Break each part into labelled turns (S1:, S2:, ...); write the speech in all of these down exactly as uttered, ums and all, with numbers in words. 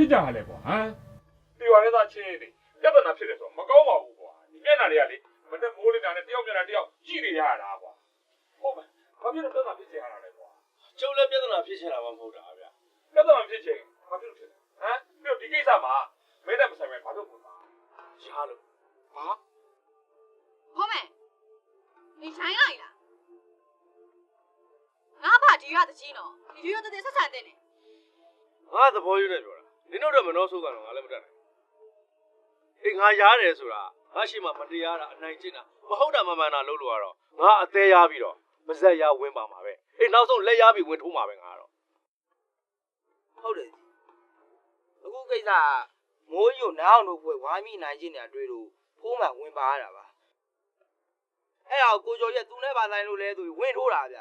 S1: ဖြစ်ကြရလဲကွာဟမ်ဒီရွာထဲသားချင်းနေပြဿနာဖြစ်တယ်ဆိုတော့မကောင်းပါဘူးကွာဒီမျက်နှာတွေကလေမနဲ့မိုးလေးတာနဲ့တယောက်မျက်နှာတယောက်ကြည့်နေရတာကွာဟုတ်မယ်ဘာဖြစ်လို့ပြဿနာဖြစ်ကြရတာလဲကွာ
S2: ကျုပ်လည်းပြဿနာဖြစ်ချင်တာမှမဟုတ်တာဗျာ
S1: ပြဿနာဖြစ်ချင်ဘာဖြစ်လို့ဖြစ်လဲဟမ်ပြီးတော့ဒီကိစ္စမှာမင်းနဲ့မဆိုင်ပဲဘာလို့ပုံပါရှားလို့ဟာ
S3: ဟုတ်မယ်你ဆိုင်လိုက်လားငါဘာဒီရတကြီးနော်ဒီရတဲ့ဆက်ဆံတဲ့နေ
S2: ငါသဘောယူနေပြောတာနင်တို့တော့မနှောဆိုးတာတော့ငါလည်းမတတ်နိုင်အေးငါရားတယ်ဆိုတာငါရှိမှမတရားတာအနိုင်ကျင့်တာမဟုတ်တာမမှန်တာလုပ်လို့ရတော့ငါအသေးရပြီးတော့ပါဇက်ရဝင်ပါမှာပဲအေးနောက်ဆုံးလက်ရပြီးဝင်ထိုးမှာပဲငါတော့
S4: ဟုတ်တယ်အခုကိစ္စမိုးယိုနားအောင်တို့ဘွယ်ဝိုင်းမိနိုင်ခြင်းနေတွေ့လို့ဖိုးမှန်ဝင်ပါရတာပါအဲ့ဒါကိုကျော်ရက်သူနဲ့ပါဆိုင်လို့လဲသူဝင်ထိုးတာဗျ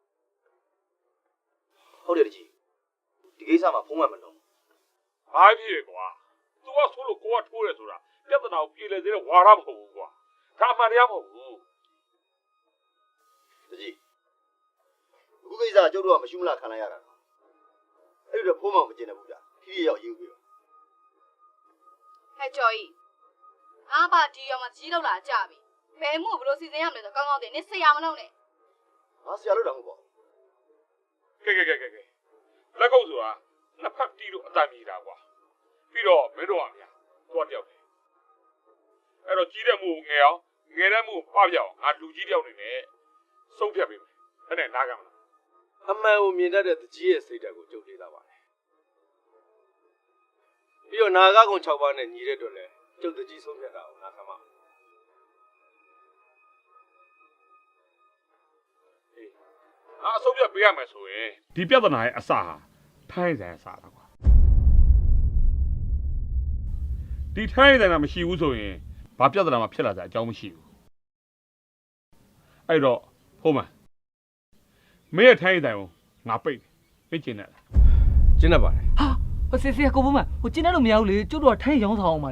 S2: ဟုတ်တယ်တကြီးဒီကိစ္စမှာဖုံးမှန်မလုံး
S1: ဘာဖြစ်ကွာ तू ကဆိုလို့ကိုကထိုးတယ်ဆိုတာပြဿနာကိုပြေလည်စေတဲ့ဝါရမဟုတ်ဘူးကွာဒါအမှန်တရားမဟုတ်ဘူး
S2: တကြီးအခုကိစ္စကျုပ်တို့ကမရှိမလားခံလိုက်ရတာအဲ့ဒီတော့ဖုံးမှန်မကျင်တယ်ဘူးဗျာခီးရောက်ရေးပြီးတော့
S3: ဟဲ့ကျော်ကြီးငါဘာဒီရမှာကြီးလောက်လာကြပြီဘယ်မှုဘလို့စီစဉ်ရမလဲဆိုကောင်းကောင်းတင်နေဆရာမလုပ်နဲ့
S2: ငါဆရာလို့တောင်မဟုတ်ပါဘူး
S1: ကဲကဲကဲကဲကဲလက်ကုပ်ဆိုတာနှစ်ဖက်တီးလို့အတန်မြည်တာကွာပြီးတော့မင်းတို့ကဗျာသွားတယောက်တယ်အဲ့တော့ကြီးတဲ့မှုငယ်အောင်ငယ်တဲ့မှုပပြအောင်ငါလူကြီးတယောက်နေနဲ့စုပ်ဖြတ်ပေးမယ်အဲ့နဲ့နားကမလား
S2: အမှန်ကိုမြင်တတ်တဲ့တကြီးရဲ့စိတ်ဓာတ်ကိုကြုံလေးလာပါတယ်ပြီးတော့နာဂကုံ၆ပါးနဲ့ညီတဲ့အတွက်လည်းကျုပ်တကြီးဆုံးဖြတ်တာကိုနားခံပါ
S1: ငါအဆုံးဖြတ်ပေးရမယ်ဆိုရင်ဒီပြဿနာရဲ့အစဟာထိုင်းဆိုင်အစတာကွာဒီထိုင်းဆိုင်ကမရှိဘူးဆိုရင်ဘာပြဿနာမှဖြစ်လာကြအကြောင်းမရှိဘူးအဲ့တော့ဟုတ်မှာမင်းရဲ့ထိုင်းဆိုင်ကိုငါပိတ်ပိတ်ကျင်တယ်
S2: ကျင်းတတ်ပါတယ်
S5: ဟာဟိုစစ်စစ်ကိုဘုမဟိုကျင်းတဲ့လို့မရဘူးလေကျုပ်တို့ကထိုင်းရောင်းဆောင်အောင်ပါ